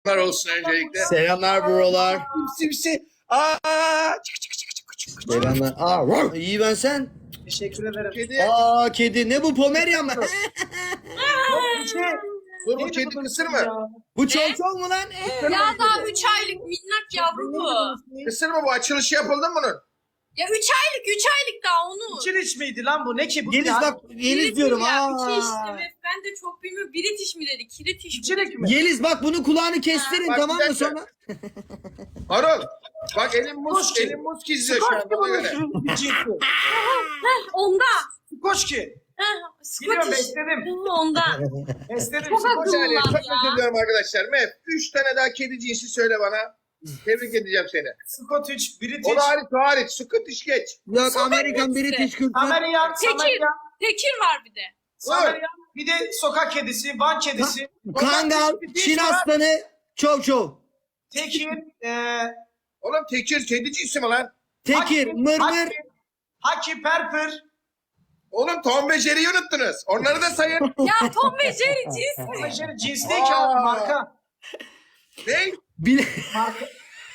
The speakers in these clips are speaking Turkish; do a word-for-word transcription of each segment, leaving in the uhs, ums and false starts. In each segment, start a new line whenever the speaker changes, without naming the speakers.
olsun öncelikle.
Selamlar brolar.
Simsi. Aa, çık çık çık çık çık.
Selamlar. Aa, wow. İyi ben sen.
Teşekkür ederim.
Kedi.
Aa kedi ne bu Pomeryan mı?
Dur bu kedi kısır mı?
Bu çok çok mu lan?
Ya daha üç aylık minnak yavru bu.
Kısır mı bu? Açılışı yapıldı mı bunun?
Ya üç aylık üç aylık daha onu.
Çiliç miydi lan bu? Ne ki bu?
Yeliz
ya?
bak Yeliz
British
diyorum.
ya,
Aa.
iki işte ve ben de çok bilmiyorum. British mi dedi? Kiritiş mi?
Çilek mi?
Yeliz bak bunu kulağını kestirin
Bak,
tamam
bir
mı
dakika.
sonra?
Harun. Bak elim muz,
Koşki.
elim muz izliyor şu an bana göre.
Onda.
Koşki.
Heh,
Biliyorum
Scottish.
besledim.
Onda.
Besledim.
Çok
Bir
akıllı
saniye
lan
çok
ya.
özür diliyorum arkadaşlar. Mev, üç tane daha kedi cinsi söyle bana. Tebrik edeceğim seni.
Scottish,
O
British,
da hariç, o hariç. Scottish geç.
Yok
Sonra
Amerikan
hepsi.
British kültür.
Amerikan,
Tekir.
Samarian,
Tekir var bir de.
Samarian, bir de sokak kedisi, Van kedisi,
Kangal, Çin aslanı, çov çov.
Tekir, eee
Oğlum tekir kedi cinsi mi lan?
Tekir,
Haki,
mırmır.
Haki, Haki, Perpir,
Oğlum Tom ve Jerry'yi unuttunuz. Onları da sayın.
Ya Tom ve Jerry cins mi?
Meşeri cins değil ki abi
Aa.
marka.
Ne?
Bile...
Marka.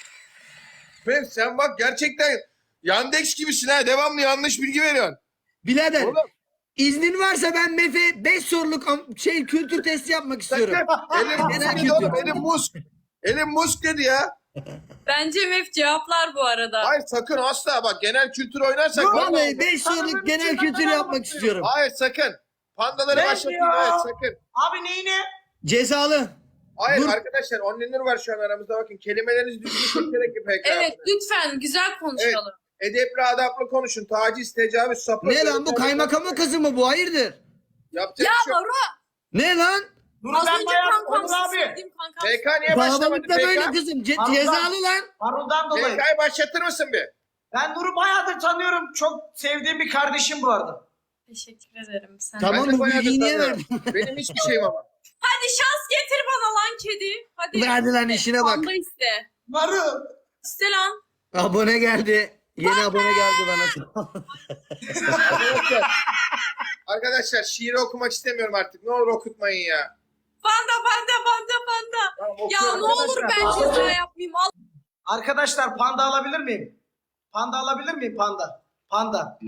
Mev sen bak gerçekten Yandex gibisin ha. Devamlı yanlış bilgi veriyorsun.
Birader.
Oğlum.
İznin varsa ben Mefe beş soruluk am- şey kültür testi yapmak istiyorum.
Elim muz
Genel
dedi oğlum.
kültür.
Elim muz. Elim muz dedi ya.
Bence Mef cevaplar bu arada.
Hayır sakın asla bak genel kültür oynarsak.
Vallahi beş soruluk genel kültür yapmak istiyorum.
Hayır sakın. Pandaları
Ne
başlatayım
diyor?
evet sakın.
Abi neyine?
Cezalı.
Hayır
Dur.
arkadaşlar Onlinur var şu an aramızda bakın. Kelimelerinizi düzgün seçerek yapın.
Evet lütfen güzel konuşalım.
Edepli adaplı konuşun. Taciz, tecavüz, sapık.
Ne lan bu kaymakamın kızı mı bu? Hayırdır?
Yapacak
Ya
bir şey yok.
Baro
Ne lan?
Dur
az
ben
önce
bayağı
kankam
Onur abi.
sevdiğim kankam.
P K niye başlamadı?
Babalıkta böyle
P K?
kızım. Ce-
Pardon.
cezalı lan.
Marul'dan dolayı.
P K'yı başlatır mısın bir?
Ben Nur'u bayağıdır tanıyorum. Çok sevdiğim bir kardeşim bu arada.
Teşekkür ederim sen.
Tamam
Ben de
bu
bayağıdır
bilgiyi niye
tanıyorum.
verdin?
Benim hiçbir şeyim ama.
Hadi şans getir bana lan kedi. Hadi.
Verdi lan işine bak.
Panda iste.
Marul.
İste lan.
Abone geldi. Yeni abone geldi bana.
Arkadaşlar, arkadaşlar şiiri okumak istemiyorum artık. Ne olur okutmayın ya.
Panda panda panda panda.
Tamam,
Ya
okuyorum
ne olur
arkadaşlar.
ben ceza yapmayayım. Al.
Arkadaşlar panda alabilir miyim? Panda alabilir miyim panda? Panda.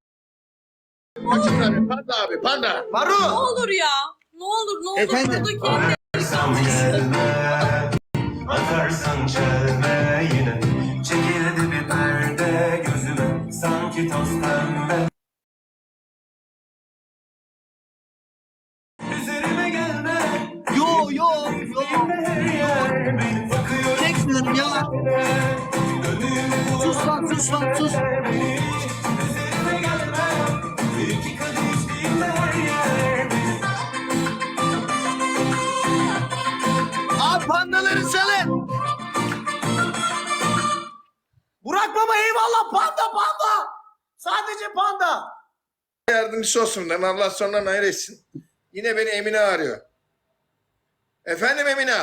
Açın abi, panda abi panda.
Ne
Marul.
olur ya. Ne olur ne olur.
Efendim?
Buradaki
Atarsan gelme, atarsan çelme yine. Çekildi bir perde gözüme, sanki toz pembe. Üzerime gelme,
Yo yo yo.
her yer beni bakıyor.
Çekmiyorum ya.
Dönüyorum
Sus lan sus lan sus.
beni. Üzerime gelme, iki kadeh içtiğimde her yer beni.
Abi pandaları salın.
Burak baba eyvallah panda panda. Sadece panda.
Yardımcısı olsun lan Allah sonundan hayır etsin. Yine beni Emine arıyor. Efendim Emine.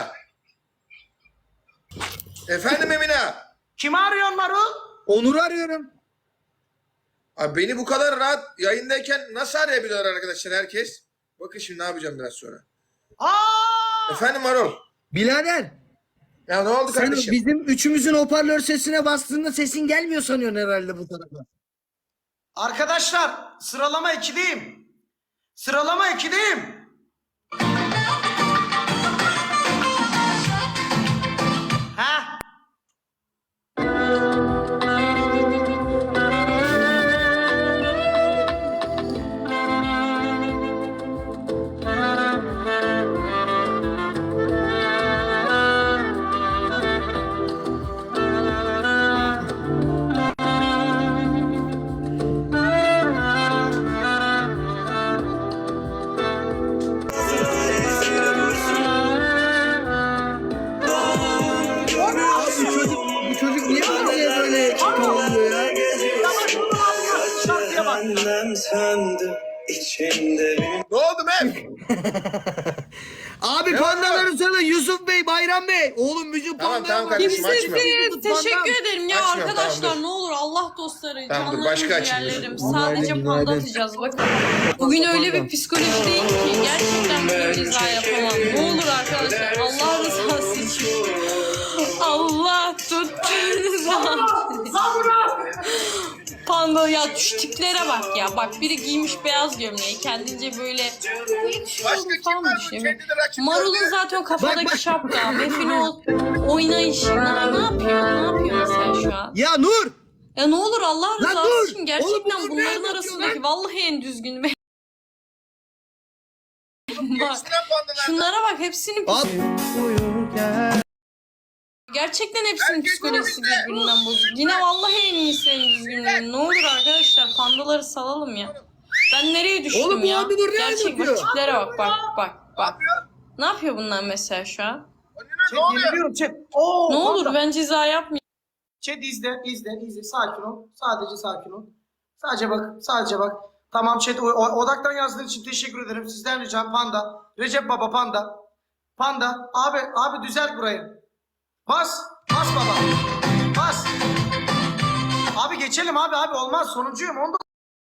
Efendim Emine.
Kimi arıyorsun Marul?
Onur'u arıyorum.
Abi beni bu kadar rahat yayındayken nasıl arayabiliyorlar arkadaşlar herkes? Bakın şimdi ne yapacağım biraz sonra.
Aa!
Efendim Marul.
Birader.
Ya ne oldu
Sen
kardeşim?
bizim üçümüzün hoparlör sesine bastığında sesin gelmiyor sanıyorsun herhalde bu tarafa.
Arkadaşlar sıralama ikideyim. Sıralama ikideyim. Ha?
Abi bu çocuk, bu çocuk niye böyle böyle oluyor ya?
Şarkıya bak.
Cehennem söndü içimde benim.
Ne oldu Mev?
Abi
Ne
pandaları söyle Yusuf Bey, Bayram Bey. Oğlum müzik
Tamam,
panda
tamam
var.
kardeşim, açma.
Kimsesiz. Teşekkür ederim ya
Açmıyorum,
arkadaşlar.
tamam, dur.
Ne olur Allah dostları.
Tamam, dur,
Canlarım,
başka açayım,
ciğerlerim.
dur.
Sadece
Günaydın,
panda
günaydın.
atacağız bakın. Bugün öyle bir psikolojideyim ki gerçekten böyle ceza yapamam. Ne olur arkadaşlar Allah rızası için Panda ya şu tiplere bak ya. Bak biri giymiş beyaz gömleği. Kendince böyle
Başka kim
falan
var bu
düşünüyor.
kendini rakip
Marul'un
gördü?
zaten kafadaki
Bak, bak.
şapka. Mef'in o oynayışı. Ne, ne yapıyor? Ne yapıyor mesela şu an?
Ya Nur!
Ya ne olur Allah
Lan
rızası
dur!
için
Oğlum
gerçekten
bu
bunların
ne
arasındaki
lan?
vallahi en düzgünü. Bak,
Gençler bandılar.
şunlara bak hepsinin
Al.
gerçekten hepsinin
Herkes
psikolojisi
önümüzde.
birbirinden bozuk. Yine vallahi en iyisi en düzgünleri. Ne olur arkadaşlar pandaları salalım ya. Ben nereye düştüm
Oğlum bu
ya?
abi dur, ne
Gerçek bak
anlatıyor?
tiplere bak bak bak
Ne
bak.
yapıyor?
Ne yapıyor bunlar mesela şu an?
Önüne
Chat
ne oluyor?
yeniliyorum chat. Oo,
Ne olur
panda.
ben ceza yapmayayım.
Chat izle, izle, izle. Sakin ol. Sadece sakin ol. Sadece bak, sadece bak. Tamam chat, o- o- odaktan yazdığın için teşekkür ederim. Sizden ricam Panda. Recep Baba Panda. Panda. Abi, abi düzelt burayı. Bas. Bas baba. Bas. Abi geçelim abi abi olmaz. Sonuncuyum. Onu da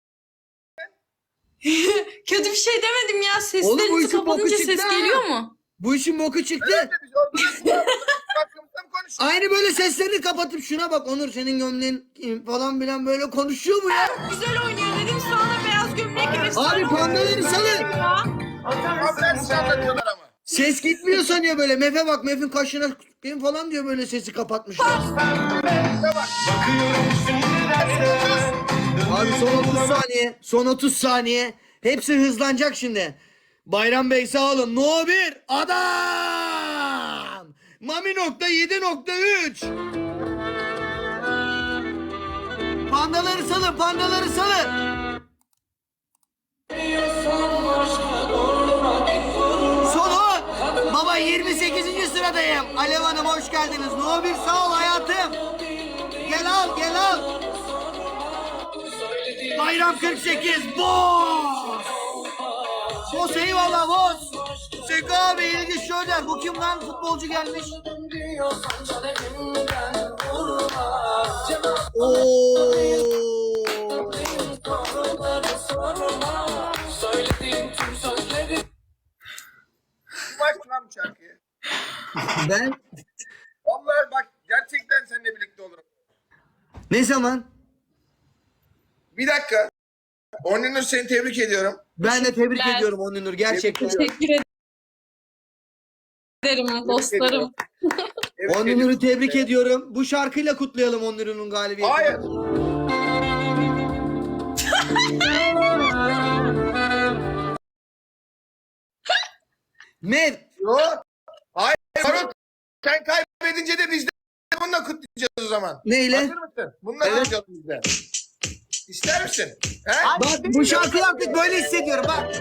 Kötü bir şey demedim ya.
Oğlum bu
Seslerinizi
işin boku
kapatınca
çıktı
ses
ha.
geliyor mu?
Bu işin boku çıktı.
Evet, biz orada hakkımızda mı konuşuyoruz?
Aynı böyle seslerini kapatıp şuna bak Onur senin gömleğin falan bilen böyle konuşuyor mu ya?
Güzel oynuyor dedim sana da beyaz gömlek efsane
Abi pandaları salın.
ya.
Aferin size anlatıyorlar ama.
Ses gitmiyor sanıyor böyle. Mefe bak Mef'in kaşına benim falan diyor böyle sesi kapatmışlar.
Bakıyorum sinirlerse.
Abi son otuz saniye. Son otuz saniye. Hepsi hızlanacak şimdi. Bayram Bey sağ olun. No bir adam. Mami nokta yedi nokta üç. Pandaları salın, pandaları salın. Son on. Baba yirmi sekizinci sıradayım. Alev Hanım hoş geldiniz. No bir sağ ol hayatım. Gel al, gel al. Bayram kırk sekiz. Boss. Boss eyvallah boss. Seko abi ilgi şöyle. Bu kim lan futbolcu gelmiş? Oo.
Kim açtı lan bu şarkıyı?
Ben
Vallahi bak gerçekten seninle birlikte olurum.
ne zaman?
Bir dakika. Onur seni tebrik ediyorum.
Ben de tebrik
Ben-
ediyorum Onur gerçekten.
Teşekkür ederim dostlarım.
Tebrik
Onur'u
ediyorum.
tebrik ediyorum. Bu şarkıyla kutlayalım Onur'un galibiyetini.
Hayır.
Mev,
Yo. Hayır. Marul, sen kaybedince de biz de bununla kutlayacağız o zaman.
neyle?
Hazır mısın? Bununla kutlayacağız biz de. İster misin? He?
Bak bu şarkı yaptık böyle hissediyorum bak.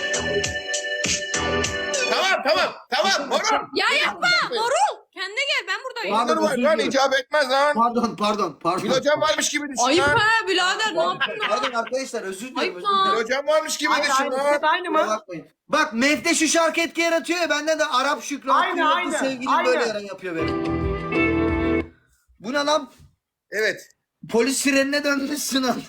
Tamam tamam. Tamam. Marul.
Ya yapma Marul. Kendine gel ben buradayım.
Pardon,
Onur var
özür
lan
diliyorum.
icap etmez lan.
Pardon pardon pardon.
Gül hocam varmış gibi düşün
Ayıp
lan.
ha birader ne yaptın?
Pardon arkadaşlar özür dilerim.
Ayıp
Özür
lan.
dilerim.
Gül hocam varmış gibi
aynı
düşün
aynı.
lan.
Chat aynı
Kusura
mı?
bakmayın. Bak Mev'de şu şarkı etki yaratıyor ya bende de Arap Şükrü
Aynı,
Abdülhamid
aynı,
sevgilim
aynı.
böyle yaran yapıyor benim. Bu ne lan?
Evet.
Polis sirenine dönmüşsün Onur.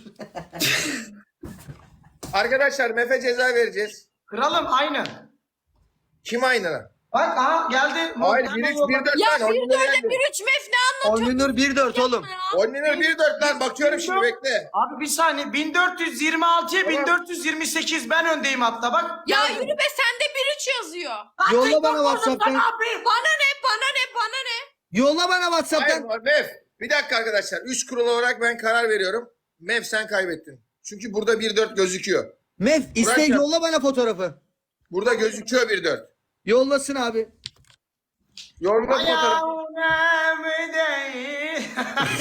Arkadaşlar Mefe ceza vereceğiz.
Kralım aynı.
Kim aynı lan?
Bak aha geldi.
Hayır
Montan
bir üç
yolla.
bir dört
Ya
lan.
bir
Onur
dörde
yendi.
bir üç mef ne anlatıyorsun
Onur bir dört oğlum.
ya?
Onur bir dört lan. Bakıyorum şimdi bekle.
Abi bir saniye bin dört yüz yirmi altıya bin dört yüz yirmi sekiz ben öndeyim hatta bak.
Ya
Geldim.
yürü be sende bir üç yazıyor.
Yolla bana WhatsApp'tan.
Bana ne bana ne bana ne?
Yolla bana
Hayır
WhatsApp'tan.
Mev. Bir dakika arkadaşlar. Üç kurul olarak ben karar veriyorum. Mev sen kaybettin. Çünkü burada bir dört gözüküyor.
Mev iste
Burak yap.
yolla bana fotoğrafı.
Burada gözüküyor bir dört.
Yollasın abi.
Yorumla fotoğrafı.
Ayağım değil.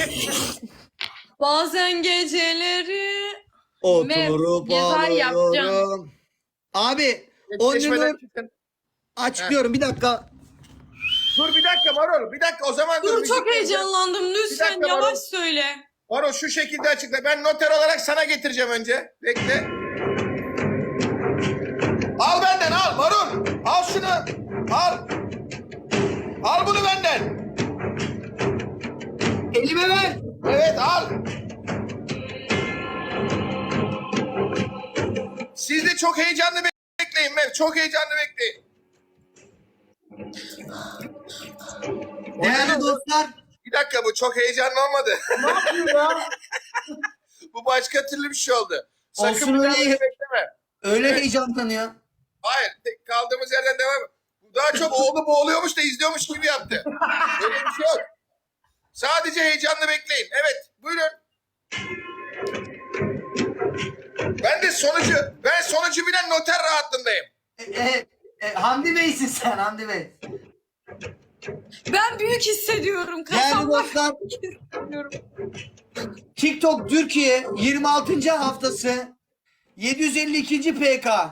Bazen geceleri
Oturup
ceza yapacağım.
alıyorum. Abi
Eşleşmeden
Onur'u
çıkın.
açıklıyorum bir dakika.
Dur bir dakika Marol. Bir dakika o zaman dur.
Dur
müzik
çok
vereceğim.
heyecanlandım lütfen
dakika,
yavaş
Marul.
söyle.
Marol şu şekilde açıkla. Ben noter olarak sana getireceğim önce. Bekle. Al benden al Marul. Al şunu. Al. Al bunu benden.
Elime ver.
Evet al. Siz de çok heyecanlı bekleyin Mev. Çok heyecanlı bekleyin.
Değerli dostlar
Bir dakika, bu çok heyecanlı olmadı.
Ne yapıyor ya?
Bu başka türlü bir şey oldu. Sakın
Olsun
bir daha
öyle.
beni bekleme.
Öyle heyecanlanıyor.
Hayır, tek- kaldığımız yerden devam. Bu daha çok oğlu boğuluyormuş da izliyormuş gibi yaptı. Öyle bir şey yok. Sadece heyecanla bekleyin. Evet, buyurun. Ben de sonucu, ben sonucu bilen noter rahatlığındayım.
E, e, e, Hamdi Bey'sin sen Hamdi Bey.
Ben büyük hissediyorum.
Değerli
Kasamda
dostlar,
büyük hissediyorum.
TikTok Türkiye yirmi altıncı haftası yedi yüz elli ikinci P K.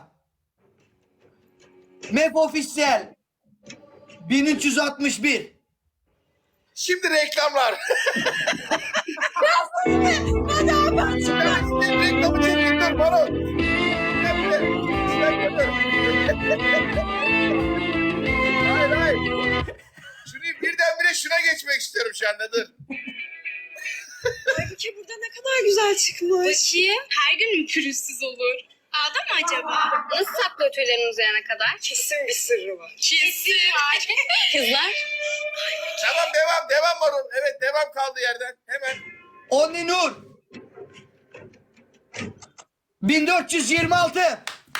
M E P Official bin üç yüz altmış bir.
Şimdi reklamlar.
Hadi abi açıkla.
Reklamı çekildir bana. Hayır hayır. Şunu birdenbire şuna geçmek istiyorum şu anda, dur.
Halbuki burada ne kadar güzel çıkmış.
Bakayım. Her gün mü pürüzsüz olur? Ağda mı acaba? Nasıl saklı ötülerin uzayana kadar?
Kesin bir sırrı var.
Kesin var. Kızlar.
Tamam, devam devam Marul. Evet, devam kaldığı yerden. Hemen.
Onni Nur bin dört yüz yirmi altı.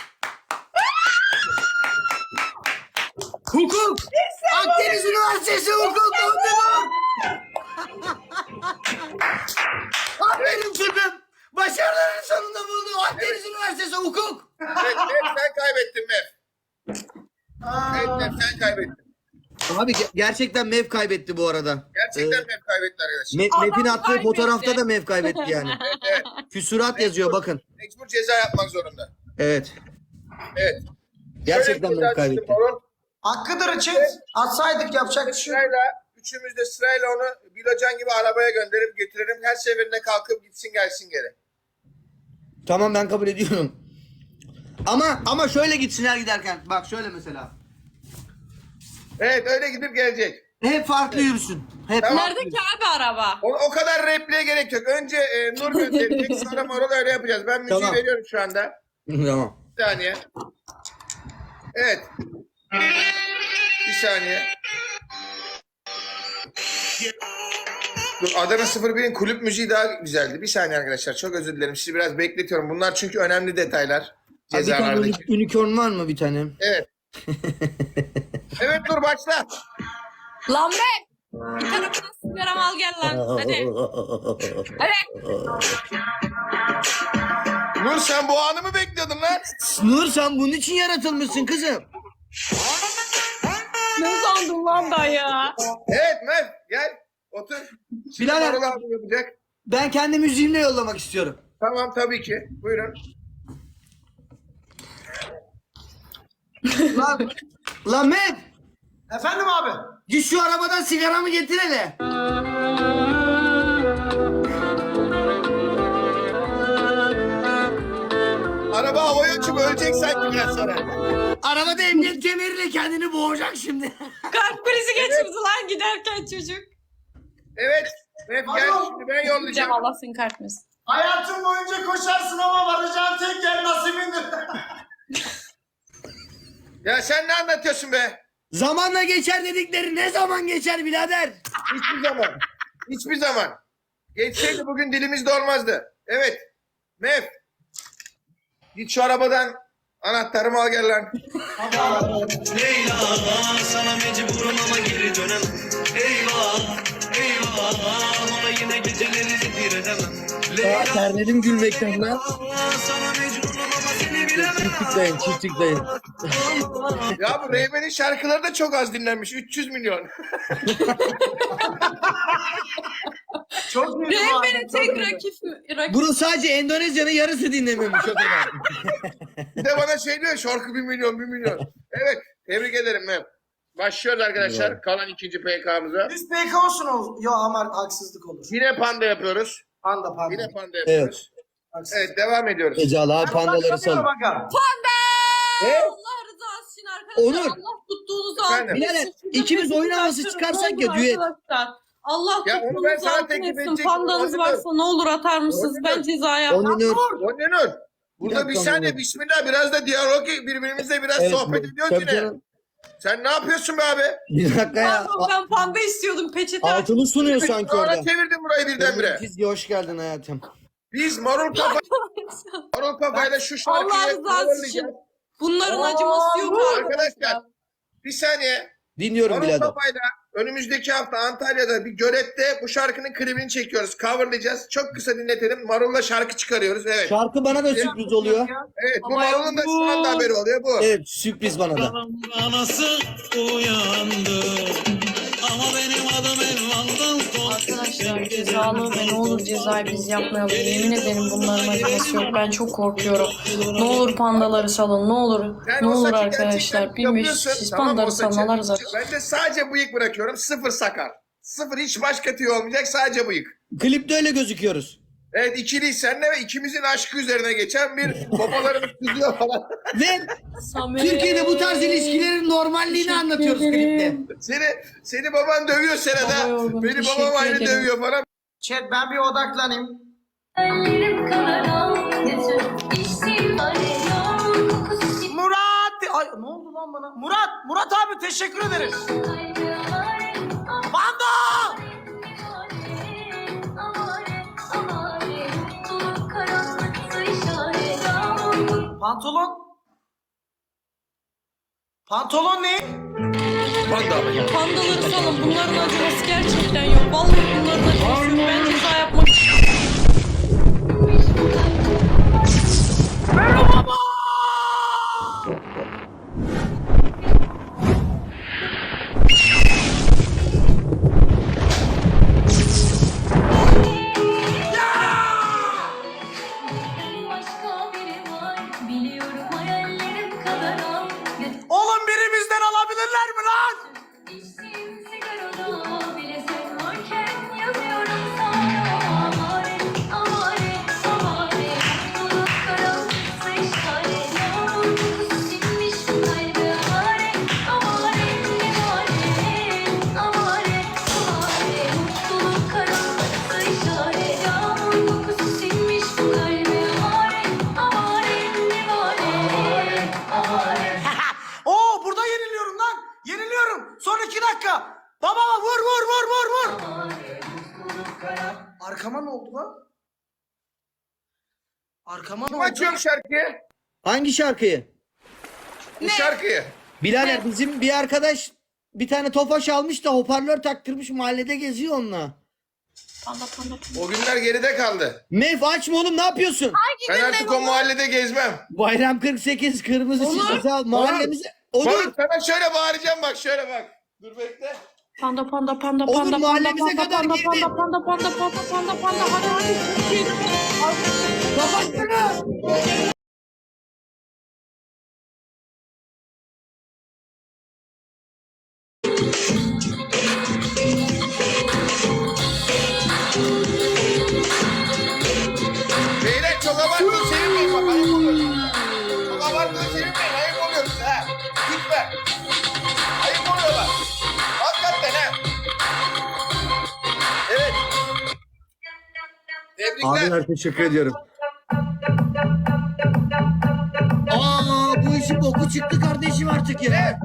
Hukuk. Akdeniz Üniversitesi Hukuk. Onni Nur. Aferin kızım. Başarıların sonunda buldum. Akdeniz Üniversitesi Hukuk.
Evet, Mev, sen kaybettin Mev. Evet Mev, sen kaybettin.
Abi ge- gerçekten M E P kaybetti bu arada.
Gerçekten
Ee,
Mev kaybetti arkadaşlar.
Me- M E P'in attığı
kaybetti.
fotoğrafta da M E P kaybetti yani.
Evet, evet.
Küsurat yazıyor bakın.
Mecbur ceza yapmak zorunda.
Evet.
Evet.
Gerçekten
Şöyle bir
M E P
ceza
kaybetti.
çıktı Marul.
Hakkıdır için atsaydık yapacak bir şey yok.
Sırayla, üçümüz de sırayla onu Bilocan gibi arabaya gönderip getirelim. Her seferinde kalkıp gitsin gelsin geri.
Tamam, ben kabul ediyorum. Ama ama şöyle gitsinler giderken. Bak şöyle mesela.
Evet, öyle gidip gelecek.
Hep farklı yürüsün. Hep
Tamam.
farklı
Nerede ki abi araba?
O, o kadar repliğe gerek yok. Önce e, Nur gönderecek, sonra Marul öyle yapacağız. Ben müziği
Tamam.
veriyorum şu anda.
yürüsün. Tamam.
Bir saniye. Evet. Bir saniye. Dur, Adana sıfır birin kulüp müziği daha güzeldi. Bir saniye arkadaşlar. Çok özür dilerim. Sizi biraz bekletiyorum. Bunlar çünkü önemli detaylar.
Abi bir tane
Cezalardaki.
uni- unicorn var mı bir tane?
Evet. Evet, dur başla.
Lan be! Bir tarafına sigaram al gel lan. Hadi. Hadi.
Nur, sen bu anı mı bekliyordun lan?
Nur, sen bunun için yaratılmışsın kızım.
Ne sandın lan ben ya?
Evet Mev, gel. Otur. Şimdi
Birader.
Marul abi yapacak.
Ben kendi müziğimle yollamak istiyorum.
Tamam, tabii ki. Buyurun.
Lan, lan Mehmet,
Efendim abi.
git şu arabadan sigaramı getir hele.
Araba havaya uçup ölecek sanki biraz sonra.
Arabada emniyet kemeriyle kendini boğacak şimdi.
Kalp krizi geçirdi lan giderken çocuk.
Evet. Mev gel, şimdi ben
Cem
yollayacağım.
Allah seni kahretmesin.
Hayatın boyunca koşarsın ama varacağın tek yer nasibindir.
Ya sen ne anlatıyorsun be?
Zamanla geçer dedikleri ne zaman geçer birader?
Hiçbir zaman. Hiçbir zaman. Geçseydi bugün dilimizde olmazdı. Evet. Mev. Git şu arabadan anahtarımı al gel lan.
Leyla sana mecburum ama geri dönemem. Eyvah eyvah ona yine geceleri zifir edemem. Leyla
Terledim gülmekten lan.
sana mecburum ama seni bilemem.
Çiftlikleyin, çiftlikleyin.
Ya bu Reymen'in şarkıları da çok az dinlenmiş. üç yüz milyon.
Çok iyi.
Rehberin tek rakip, rakip.
Bunu sadece Endonezya'nın yarısı dinlememiş o kadar.
Bir de bana şey diyor, şarkı bir milyon, bir milyon. Evet, tebrik ederim Mev. Başlıyoruz arkadaşlar kalan ikinci P K'mıza.
Biz P K olsun o. Yo ama haksızlık olur.
Yine panda yapıyoruz.
Panda panda.
Yine panda yapıyoruz.
Haksızlık.
Evet, devam ediyoruz.
Ecalı abi pandaları
Bakalım,
sal.
bakalım.
Ne?
Allah rızası için arkadaşlar.
Onur.
Allah tuttuğunuzu
Efendim?
altın
Birader,
etsin.
ikimiz oyun havası
Şurada
çıkarsak
sesini
ya, düet.
arkadaşlar. Allah
Ya onu ben
tuttuğunuzu
sana
altın
teklif
etsin.
edecektim.
Pandanız
Onur.
varsa ne olur atar mısınız?
Onur.
Ben ceza yapmam.
Onur.
Onur. Burada
Bir
bir
dakika,
saniye
Onur.
bismillah, biraz da diyalog, birbirimizle biraz
Evet,
sohbet ediyoruz
tabii
yine.
canım.
Sen ne yapıyorsun be abi?
Bir dakika ya.
Pardon, ben panda istiyordum peçete.
Altını sunuyor sanki
Sonra
orada.
çevirdin burayı birdenbire.
Çizgi hoş geldin hayatım.
Biz Marul Kafa, Marul Kafa'yla şu
Allah
şarkıyı
rızası için. Bunların acıması yok
arkadaşlar. Bir saniye.
Dinliyorum
Marul
birader.
Kafa'yla önümüzdeki hafta Antalya'da bir görette bu şarkının klibini çekiyoruz. Coverlayacağız. Çok kısa dinletelim. Marul'la şarkı çıkarıyoruz. Evet.
Şarkı bana da sürpriz oluyor.
Evet. Bu
Ama
Marul'un da şu anda haberi oluyor bu.
Evet sürpriz bana da.
Anası uyandı. Ama benim adım Elvan'dan
Arkadaşlar cezalı ve ne olur cezayı biz yapmayalım. Yemin ederim bunların acıması yok. Ben çok korkuyorum. Ne olur pandaları salın. Ne olur.
Sen
Ne
o
olur
saçı
arkadaşlar.
gerçekten
Bilmiyorum
yapıyorsun,
siz
tamam mı,
pandaları
o saçı?
salmalar zaten.
Ben de sadece bıyık bırakıyorum. Sıfır sakar. Sıfır hiç başka tüy olmayacak. Sadece bıyık.
Klipte öyle gözüküyoruz.
Evet ikiliyiz seninle ve ikimizin aşkı üzerine geçen bir babalarımız kızıyor falan.
Ve
Samet.
Türkiye'de bu tarz ilişkilerin normalliğini
Teşekkür
anlatıyoruz
ederim.
klipte.
Seni seni baban dövüyor senede.
Baba yorgun,
Beni
teşekkür
babam aynı
ederim.
dövüyor falan.
Chat ben bir odaklanayım.
Ellerim kanara götür içtim arıyor kokusu
Murat! Ay ne oldu lan bana? Murat! Murat abi teşekkür ederiz.
kalbi amare
Panda!
amare amare mutluluk karanlıkta işaret yağmur.
Pantolon? Pantolon ne?
Panda.
Pandaları salın. Bunların acıması gerçekten yok. Vallahi bunların acıması yok. Ben ceza yapmak
Başka biri var biliyorum hayallerim kadar al götür
Oğlum birimizden alabilirler mi lan?
içtiğim sigarada bile sen varken yazıyorum sana amare amare amare mutluluk karanlıkta işaret yağmur kokusu sinmiş bu kalbe amare amare amare amare amare mutluluk karanlıkta işaret yağmur kokusu sinmiş bu kalbe amare amare amare amare
Oo burada yeniliyorum lan. Yeniliyorum. Son iki dakika. Baba vur vur vur vur vur. Arkama ne oldu lan? Arkama ne
Kim
oldu?
açıyor şarkıyı?
Hangi şarkıyı?
Bu şarkıyı.
Birader bizim bir arkadaş bir tane tofaş almış da hoparlör taktırmış mahallede geziyor onunla.
panda panda panda.
O günler geride kaldı.
Mef açma oğlum ne yapıyorsun?
Ben artık o mahallede gezmem.
Bayram kırk sekiz kırmızı çizgisi al mahallemize. Olur.
Bak sana şöyle bağıracağım bak şöyle bak. Dur bekle.
Panda panda panda
Olur,
panda panda
mahallemize
panda
kadar
panda
girdin.
panda panda panda panda panda panda hadi hadi. Git.
Kapatsana.
Beyler çok abartın sevinmeyin bak ayıp oluyor. Çok abartın sevinmeyin ayıp oluyoruz ha. Gitme. Ayıp oluyorlar. Hakikaten ha. Evet. Tebrikler.
Abiler teşekkür ediyorum. Aa bu işin boku çıktı kardeşim artık ya.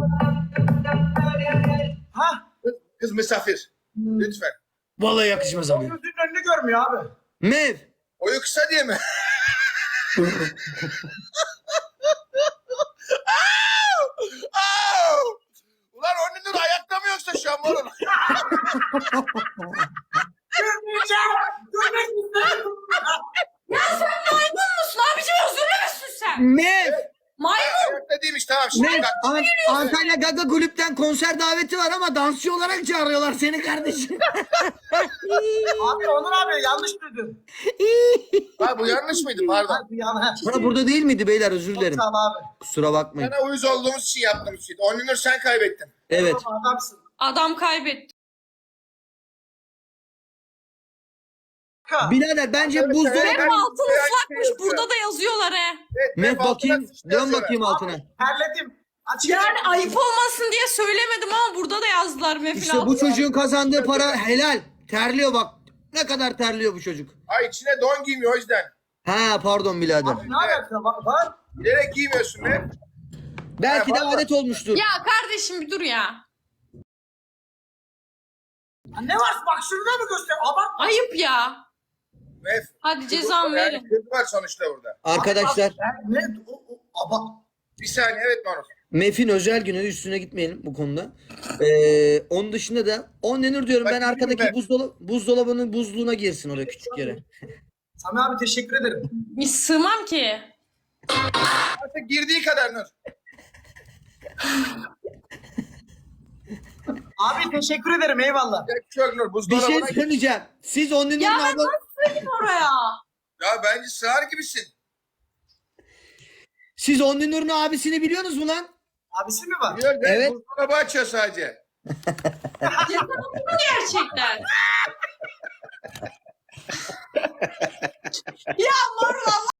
Ha?
Kız, kız misafir. Lütfen.
Vallahi yakışmaz abi.
Gözünün önünü görmüyor abi.
Mev.
Oyu kısa diye mi? Au! Ulan on lira ayakta mı yoksa şu an var oğlum?
Görmeyeceğim. Görmek istiyorum.
Maymun musun abicim, özürlü müsün sen?
Mev.
Maymun.
Ayakta değilmiş tamam şimdi
Mev.
bak.
An- Antalya Gaga Kulüpten konser daveti var ama dansçı olarak çağırıyorlar seni kardeşim.
Abi Onur abi yanlış duydun.
Ha, bu yanlış mıydı pardon.
Hadi yanlış.
Ha, burada değil miydi beyler özür dilerim.
Sağ ol abi.
Kusura bakmayın.
Sana uyuz olduğumuz için yaptığımız şey. on lira sen kaybettin.
Evet.
Tamam, adamsın.
Adam kaybetti.
Birader bence
Evet,
buzdolabı...
evet.
Hem altın
Ben-
ıslakmış,
ben-
burada da yazıyorlar he.
Evet,
Mev
hep altına
bakayım.
sıçtı
Dön
yazıyorlar.
bakayım altına.
Terledim. Açık
Yani ayıp olmasın diye söylemedim ama burada da yazdılar Mefil
İşte bu çocuğun kazandığı para helal. Terliyor bak. Ne kadar terliyor bu çocuk.
Ay içine don giymiyor o yüzden.
Ha pardon birader.
Ne alaka var? var?
Bilerek giymiyorsun be.
Belki de
Ha, vallahi.
adet olmuştur.
Ya kardeşim bir dur ya.
Ya ne var? Bak şurada mı göster? Abart.
Ayıp ya.
Mef.
Hadi cezamı
Yani
verin.
kız var sonuçta burada.
Arkadaşlar
Ne? O, o, aba.
Bir saniye evet Manus.
Mef'in özel günü, üstüne gitmeyelim bu konuda. Ee, onun dışında da on denir diyorum
Bak,
ben,
bilmiyorum
arkadaki
ben.
buzdolabı, buzdolabının buzluğuna girsin oraya, küçük yere.
Sami abi teşekkür ederim.
Bir sığmam ki.
Artık girdiği kadar Nur.
Abi teşekkür ederim eyvallah.
Çok Nur.
Bir
Buzdolabına
şey
gir.
söyleyeceğim. Siz on denir
Ya
mi
ben
abla?
nasıl sığayım oraya?
Ya bence sığar gibisin.
Siz on denir'in abisini biliyorsunuz mu lan?
Abisi mi var?
Biliyor,
Evet.
evet. Buzdolabı açıyor sadece.
Cezamı mı gerçekten? Ya Marul Allah